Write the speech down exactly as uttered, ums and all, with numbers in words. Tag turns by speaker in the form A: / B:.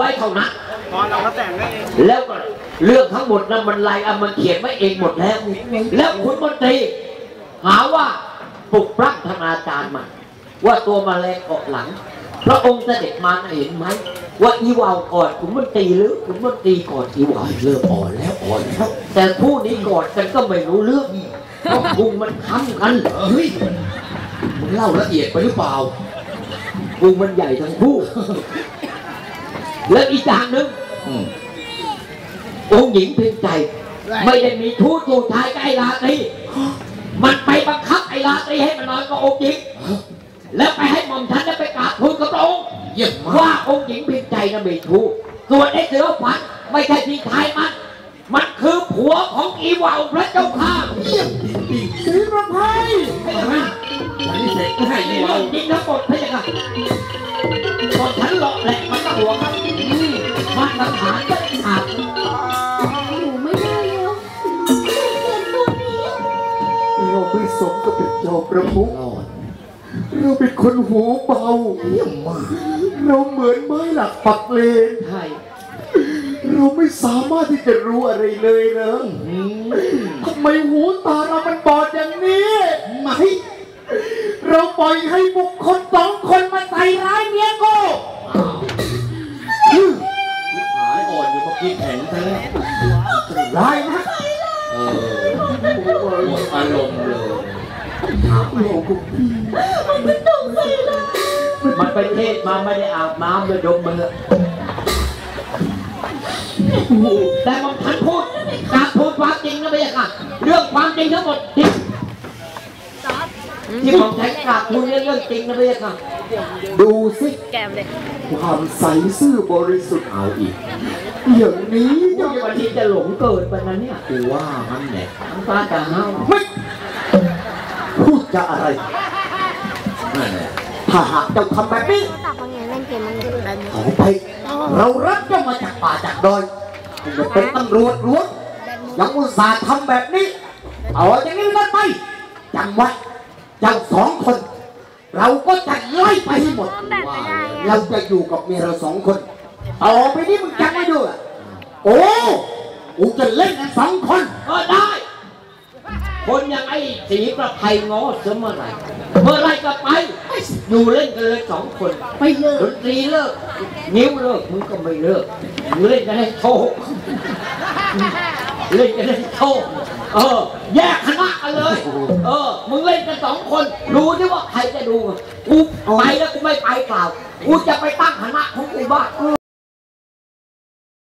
A: ว้เท่านั้น
B: ตอนเราก็แต่งได้เอง
A: แล้วก็เรื่องทั้งหมดนั้นมันลายอ่ะมันเขียนไว้เองหมดแล้วแล้วคุณมนตรีหาว่าปลุกปล้ำธนาจารย์มันว่าตัวมาแรงเกาะหลังพระองค์เสด็จมาเห็นไหมว่าอีวาวก่อนคุณมนตรีหรือคุณมนตรีก่อนอีวาวเริ่มอ่อนแล้วอ่อนแล้วแต่ผู้นี้ก่อนกันก็ไม่รู้เรื่องเพราะพุงมันค้ำกัน
C: เฮ้ยมึงเล่าละเอียดไปหรือเปล่า
A: พุงมันใหญ่ทั้งคู่แล้วอีกอย่างหนึ่งองค์หญิงเพียงใจไม่ได้มีทูตทูตชายกับไอ้ราตรีมันไปบังคับไอ้ราตรีให้มันนอนกับองค์หญิงแล้วไปให้หม่อมฉันได้ไปกราบทูลกับพระองค์ว่าองค์หญิงเพียงใจน่ะมีทูตส่วนไอ้เสือขวัญไม่ใช่พี่ชายมันมันคือผัวของอีวาวพระเจ้าข้า
C: สีประภัยอันนี้เสร็จให้
A: อีวาวจริงทั้งหมดพระเจ้าค่ะก่อนฉันหลอกแหละมันก็หัวครับมันสังหารก็ขาด
D: หนูไม่ได้แล้วเห็นตัวนี้
C: เราไม่สมกับเป็นเจ้าประมุขเราเป็นคนหูเบาเยี่ยมมากเราเหมือนไม้หลักปักเลน
A: ใช่
C: เราไม่สามารถที่จะรู้อะไรเลยนะทำไมหูตาเรามันบอดอย่างนี้ไม่เราปล่อยให้บุคคลสองคนมาใส่ร้ายเมียกูหายอ่อนอยู่เมื่อกี้แข็งซะแล้วร้ายนะเออหมดอารมณ์เลย
D: มันต้องใส่ร้าย
A: มันไปเทศมาไม่ได้อาบน้ำเลยดมมือแต่มันทันพูดการพูดความจริงนะพี่ค่ะเรื่องความจริงทั้งหมดจริงที่ผมใช้กราบพูดเรื่องจริงนะพี่ค่ะ
C: ดูสิความใสซื่อบริสุทธิ์เอาอีกอย่างนี้
A: ยังวันนี้จะหลงเกิดไปนั้นเนี่ย
C: กูว่ามันแหละ
A: น้ำตาจะห้าว
C: ไม่พูดจะอะไรนั่นแหละถ้าหากเจ้าทำแบบนี้ขอไปเรารับเจ้ามาจากป่าจากดอยจะเป็นตำรวจล้วนยังอุตส่าห์ทำแบบนี้เอาอย่างนี้กันไปจำไว้เจ้าสองคนเราก็จะไล่ไปให้หมดเราจะอยู่กับเมียเราสองคนต่อไปนี้มึงจำไม่ด้วยโอ้กูจะเล่นกันสองคน
A: ก็ได้คนอย่างไอ้สีประภัยง้อเสมอไหร่เมื่อไรก็ไปอยู่เล่นกันเลยสองคน
C: ไม่เลิก
A: ดนตรีเลิกนิ้วเลิกมึงก็ไม่เลิกมึงเล่นกันให้โชว์เล่นกันให้โชว์เออแยกคณะกันเลยเออมึงเล่นกันสองคนดูดิว่าใครจะดูกูไปแล้วกูไม่ไปเปล่ากูจะไปตั้งคณะของกูบ้าง